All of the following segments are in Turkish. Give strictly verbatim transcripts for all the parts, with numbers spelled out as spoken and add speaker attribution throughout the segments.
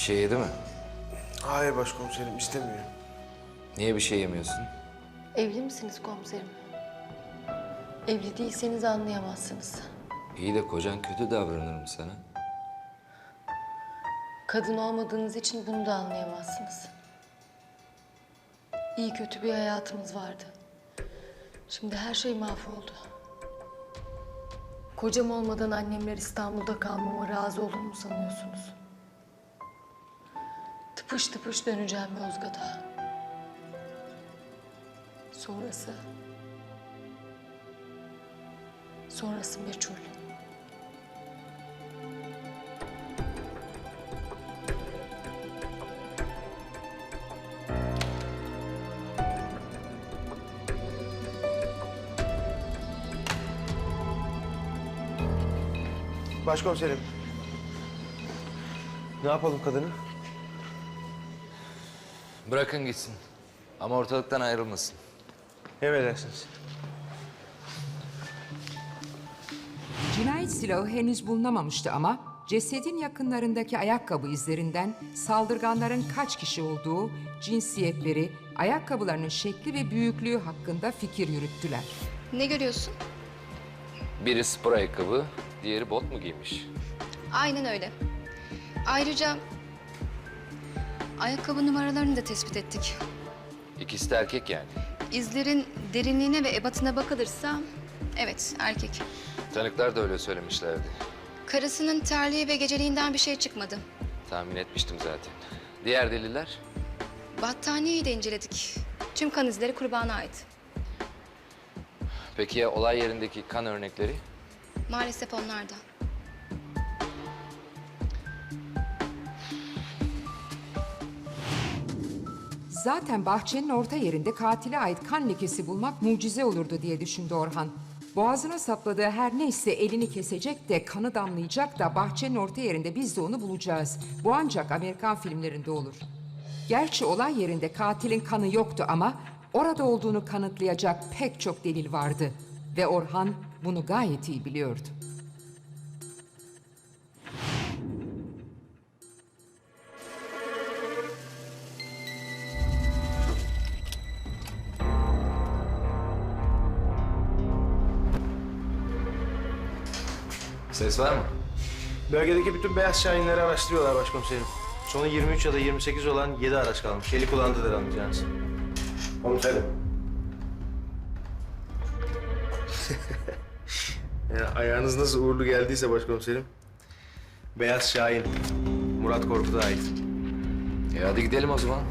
Speaker 1: şey yedi mi?
Speaker 2: Hayır başkomiserim, istemiyor.
Speaker 1: Niye bir şey yemiyorsun?
Speaker 3: Evli misiniz komiserim? Evli değilseniz anlayamazsınız.
Speaker 1: İyi de kocan kötü davranır mı sana?
Speaker 3: Kadın olmadığınız için bunu da anlayamazsınız. İyi kötü bir hayatımız vardı. Şimdi her şey mahvoldu. Kocam olmadan annemler İstanbul'da kalmama razı olur mu sanıyorsunuz? Tıpış tıpış döneceğim Yozgat'a. Sonrası... Sonrası meçhul.
Speaker 2: Başkomiserim. Ne yapalım kadını?
Speaker 1: Bırakın gitsin. Ama ortalıktan ayrılmasın.
Speaker 2: Emredersiniz.
Speaker 4: Cinayet silahı henüz bulunamamıştı ama cesedin yakınlarındaki ayakkabı izlerinden saldırganların kaç kişi olduğu, cinsiyetleri, ayakkabılarının şekli ve büyüklüğü hakkında fikir yürüttüler.
Speaker 5: Ne görüyorsun?
Speaker 1: Biri spor ayakkabı, diğeri bot mu giymiş?
Speaker 5: Aynen öyle. Ayrıca ayakkabı numaralarını da tespit ettik.
Speaker 1: İkisi de erkek yani.
Speaker 5: İzlerin derinliğine ve ebatına bakılırsa evet erkek.
Speaker 1: Tanıklar da öyle söylemişlerdi.
Speaker 5: Karısının terliği ve geceliğinden bir şey çıkmadı.
Speaker 1: Tahmin etmiştim zaten. Diğer deliller?
Speaker 5: Battaniyeyi de inceledik. Tüm kan izleri kurbana ait.
Speaker 1: Peki ya olay yerindeki kan örnekleri?
Speaker 5: Maalesef onlar da.
Speaker 4: Zaten bahçenin orta yerinde katile ait kan lekesi bulmak mucize olurdu diye düşündü Orhan. Boğazına sapladığı her neyse elini kesecek de kanı damlayacak da bahçenin orta yerinde biz de onu bulacağız. Bu ancak Amerikan filmlerinde olur. Gerçi olay yerinde katilin kanı yoktu ama orada olduğunu kanıtlayacak pek çok delil vardı. Ve Orhan bunu gayet iyi biliyordu.
Speaker 1: Ses var mı?
Speaker 2: Bölgedeki bütün beyaz şahinleri araştırıyorlar başkomiserim. Sonu yirmi üç ya da yirmi sekiz olan yedi araç kalmış. Eli kullandılar anlayacağınız. Komiserim. Ya, ayağınız nasıl uğurlu geldiyse başkomiserim. Beyaz Şahin. Murat Korkut'a ait.
Speaker 1: E hadi gidelim o zaman.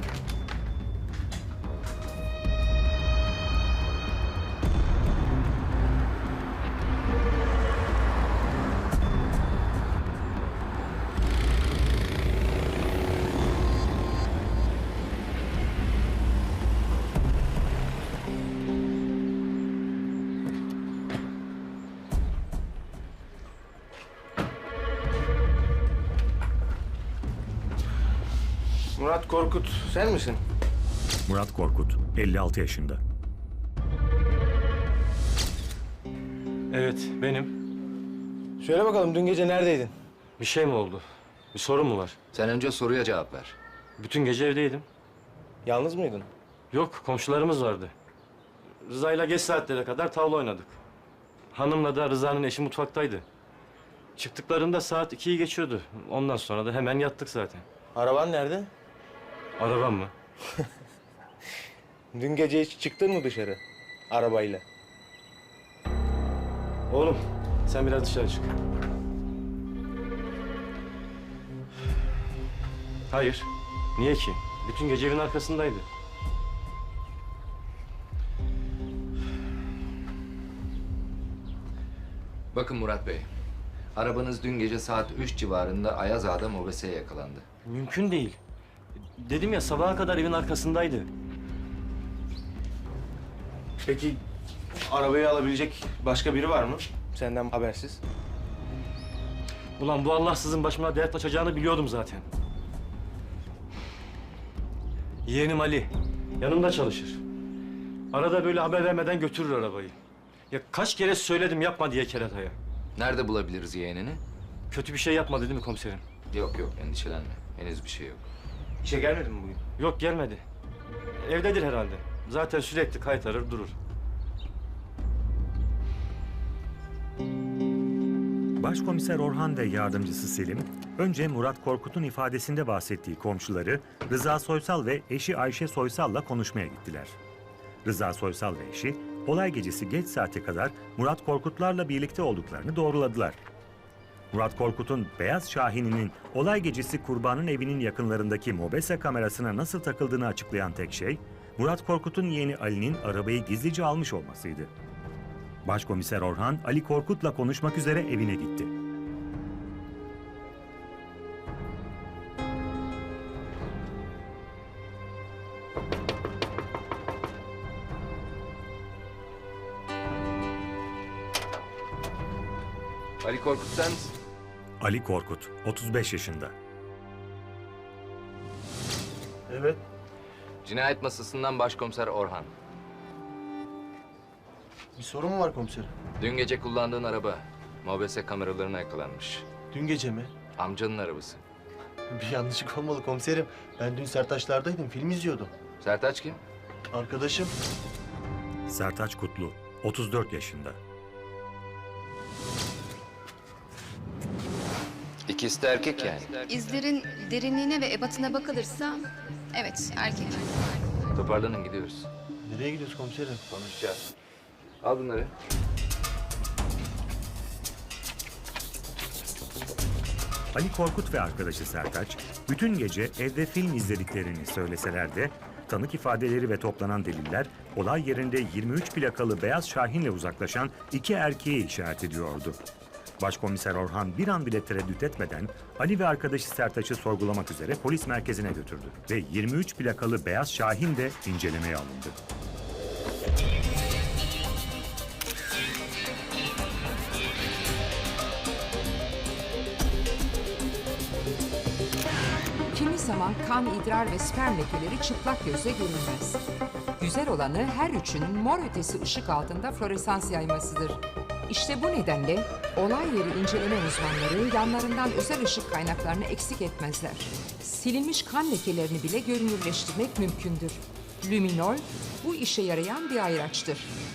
Speaker 2: Murat Korkut sen misin?
Speaker 6: Murat Korkut, elli altı yaşında.
Speaker 7: Evet, benim.
Speaker 2: Söyle bakalım dün gece neredeydin?
Speaker 7: Bir şey mi oldu? Bir sorun mu var?
Speaker 1: Sen önce soruya cevap ver.
Speaker 7: Bütün gece evdeydim.
Speaker 2: Yalnız mıydın?
Speaker 7: Yok, komşularımız vardı. Rıza'yla geç saatlere kadar tavla oynadık. Hanımla da Rıza'nın eşi mutfaktaydı. Çıktıklarında saat ikiyi geçiyordu. Ondan sonra da hemen yattık zaten.
Speaker 2: Araban nerede?
Speaker 7: Arabam mı?
Speaker 2: Dün gece hiç çıktın mı dışarı? Arabayla.
Speaker 7: Oğlum, sen biraz dışarı çık. Hayır. Niye ki? Bütün gece evin arkasındaydı.
Speaker 1: Bakın Murat Bey. Arabanız dün gece saat üç civarında Ayaz Ağa'da mobeseye yakalandı.
Speaker 7: Mümkün değil. Dedim ya sabaha kadar evin arkasındaydı.
Speaker 2: Peki arabayı alabilecek başka biri var mı? Senden habersiz.
Speaker 7: Ulan bu Allahsızın başıma dert açacağını biliyordum zaten. Yeğenim Ali. Yanımda çalışır. Arada böyle haber vermeden götürür arabayı. Ya kaç kere söyledim yapma diye kerataya.
Speaker 1: Nerede bulabiliriz yeğenini?
Speaker 7: Kötü bir şey yapmadı değil mi komiserim?
Speaker 1: Yok yok endişelenme. Henüz bir şey yok.
Speaker 2: İşe gelmedin mi bugün?
Speaker 7: Yok gelmedi. Evdedir herhalde. Zaten sürekli kaytarır durur.
Speaker 6: Başkomiser Orhan ve yardımcısı Selim, önce Murat Korkut'un ifadesinde bahsettiği komşuları Rıza Soysal ve eşi Ayşe Soysal'la konuşmaya gittiler. Rıza Soysal ve eşi, olay gecesi geç saate kadar Murat Korkutlarla birlikte olduklarını doğruladılar. Murat Korkut'un Beyaz Şahin'inin olay gecesi kurbanın evinin yakınlarındaki mobese kamerasına nasıl takıldığını açıklayan tek şey, Murat Korkut'un yeğeni Ali'nin arabayı gizlice almış olmasıydı. Başkomiser Orhan, Ali Korkut'la konuşmak üzere evine gitti.
Speaker 1: Ali Korkut sen misin?
Speaker 6: Ali Korkut, otuz beş yaşında.
Speaker 2: Evet.
Speaker 1: Cinayet masasından başkomiser Orhan.
Speaker 2: Bir sorun mu var komiserim?
Speaker 1: Dün gece kullandığın araba mobese kameralarına yakalanmış.
Speaker 2: Dün gece mi?
Speaker 1: Amcanın arabası.
Speaker 2: Bir yanlışlık olmalı komiserim. Ben dün Sertaçlar'daydım, film izliyordum.
Speaker 1: Sertaç kim?
Speaker 2: Arkadaşım.
Speaker 6: Sertaç Kutlu, otuz dört yaşında.
Speaker 1: İkisi de erkek yani.
Speaker 5: İzlerin derinliğine ve ebatına bakılırsa evet erkek.
Speaker 1: Toparlanın gidiyoruz.
Speaker 2: Nereye gidiyoruz komiserim?
Speaker 1: Konuşacağız. Al bunları.
Speaker 6: Ali Korkut ve arkadaşı Sertaç, bütün gece evde film izlediklerini söyleseler de, tanık ifadeleri ve toplanan deliller, olay yerinde yirmi üç plakalı Beyaz Şahin'le uzaklaşan iki erkeği işaret ediyordu. Başkomiser Orhan bir an bile tereddüt etmeden Ali ve arkadaşı Sertaç'ı sorgulamak üzere polis merkezine götürdü ve yirmi üç plakalı Beyaz Şahin de incelemeye alındı.
Speaker 4: Kimi zaman kan, idrar ve sperm lekeleri çıplak gözle görünmez. Güzel olanı her üçünün mor ötesi ışık altında floresans yaymasıdır. İşte bu nedenle olay yeri inceleme uzmanları yanlarından özel ışık kaynaklarını eksik etmezler. Silinmiş kan lekelerini bile görünürleştirmek mümkündür. Luminol bu işe yarayan bir ayraçtır.